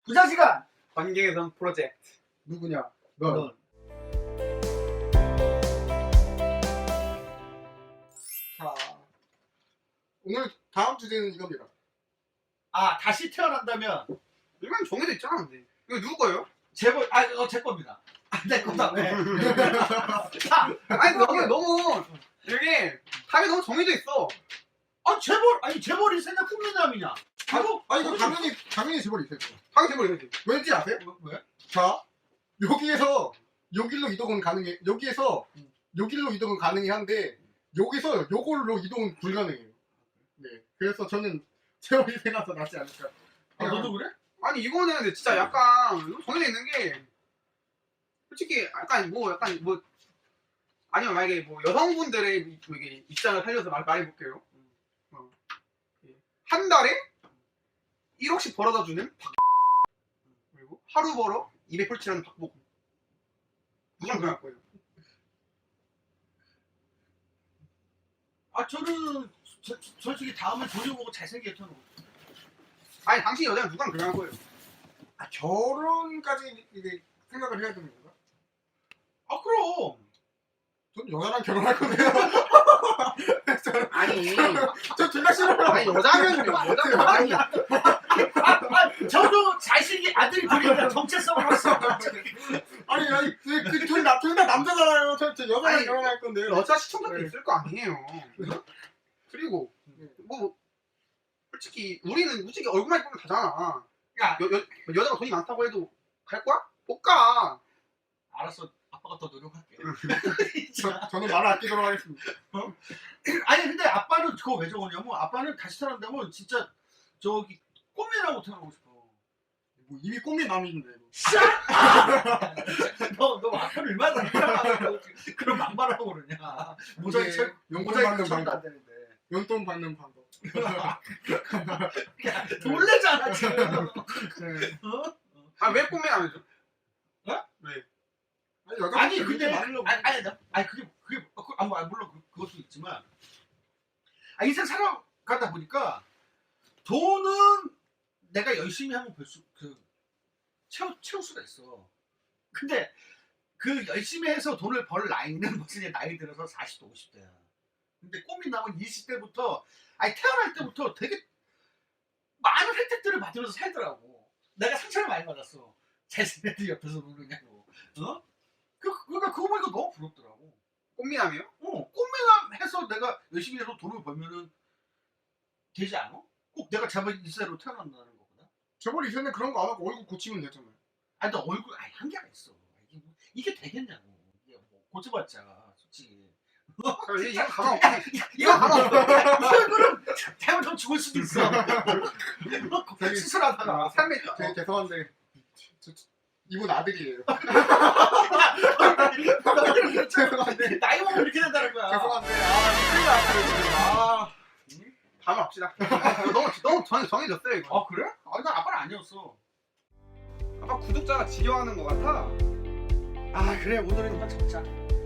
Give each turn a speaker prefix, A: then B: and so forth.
A: 부자시간
B: 관계개선 프로젝트.
C: 누구냐? 넌.
A: 넌.
C: 자, 오늘 다음 주제는 이겁니다.
A: 아 다시 태어난다면
B: 이건 정해져 있잖아, 근데. 이거 누구 거예요?
A: 제벌 제 겁니다. 내 거다 왜?
B: 아니, 너무, 이게, 답이 너무 정해져 있어.
A: 재벌이 생각 풍미남이냐? 이거
C: 이거 당연히 재벌이 있어요.
B: 당연히 해버리지.
C: 왠지 아세요?
A: 왜?
C: 자, 여기에서 여길로 이동은 가능해. 여기에서 여길로 이동은 가능한데 여기서 요걸로 이동은 불가능해요. 네, 그래서 저는 재벌이 생각도 낫지 않을까.
A: 너도 그래?
B: 아니, 이거는 근데 진짜 약간, 정해져 있는 게, 솔직히, 아니면 만약에 여성분들의 이게 입장을 살려서 말해볼게요. 한 달에 1억씩 벌어다 주는 그리고 하루 벌어 200불치라는 박보검. 누구랑 그럴 거예요?
A: 저는 솔직히 다음에 돈을 보고 잘생겼던 거.
B: 아니, 당신 여자는 누구랑 그럴 거예요?
C: 결혼까지 이게 생각을 해야 되는 건가?
A: 그럼.
C: 전 여자랑 결혼할 건데요.
B: 아니,
C: 저 둘 다 싫어요.
B: 아니 여자면 아니,
A: 저도 자식이 아들이 둘이니까 정체성을 봤어.
C: 아니 둘 다 남자잖아요. 저 여자랑
B: 아니,
C: 결혼할 건데요.
B: 여자 시청자도
C: 네.
B: 있을 거 아니에요. 그리고 솔직히 우리는 얼굴만 보면 다잖아.
A: 야,
B: 여자가 돈이 많다고 해도 갈 거야? 못 가.
A: 알았어. 아빠가 더 노력할게.
C: 저는 말을 아끼도록 하겠습니다.
A: 아니 근데 아빠는 그거 왜 저거냐면 아빠는 다시 태어난다면 진짜 저기 꽃미나고 태어나고 싶어.
C: 뭐 이미 꿈이 남인데.
A: 너 아빠를 얼마나 사랑하고 그런 막말하고 그러냐. 모자이크
C: 이게 용돈
A: 모자이크
C: 받는
A: 처리도 안
C: 방법.
A: 되는데.
C: 용돈 받는 방법.
A: 놀래잖아 지금.
C: 네.
B: 왜 꿈에 안 해줘?
A: 아니 근데
C: 많으려고.
A: 물론 그것도 있지만 인생 살아가다 보니까 돈은 내가 열심히 하면 채울 수가 있어. 근데 그 열심히 해서 돈을 벌 나이는 무슨 이제 나이 들어서 40대 50대야. 근데 꿈이 나면 20대부터 태어날 때부터 되게 많은 혜택들을 받으면서 살더라고. 내가 상처를 많이 받았어. 잘생긴 옆에서 노느냐고. 그러니까 그거 보니까 너무 부럽더라고.
B: 꽃미남이요?
A: 꿈미남 해서 내가 열심히 해서 돈을 벌면은 되지 않아? 꼭 내가 재벌 2세로 태어난다는 거구나.
C: 재벌 이전에 그런 거 안 하고 얼굴 고치면 되잖아요.
A: 너 얼굴 한계가 있어. 이게 되겠냐고. 이게 뭐 고쳐봤자 솔직히.
B: 이거 가만 없어. 이거 가만 없어.
A: 이 얼굴은 잘못하면 죽을 수도 있어. 수술하다가.
B: 삶에
C: 되게 죄송한데 이분 아들이에요. 죄송한데.
A: 나이 먹으면 이렇게 된다는 거야.
C: 죄송한데 큰일 났어요.
B: 다음 합시다. 너무 정해졌어요 이거.
A: 그래? 난 아빠는 아니었어.
B: 아빠 구독자가 지겨워하는 것 같아.
A: 그래 오늘은 이만 잡자.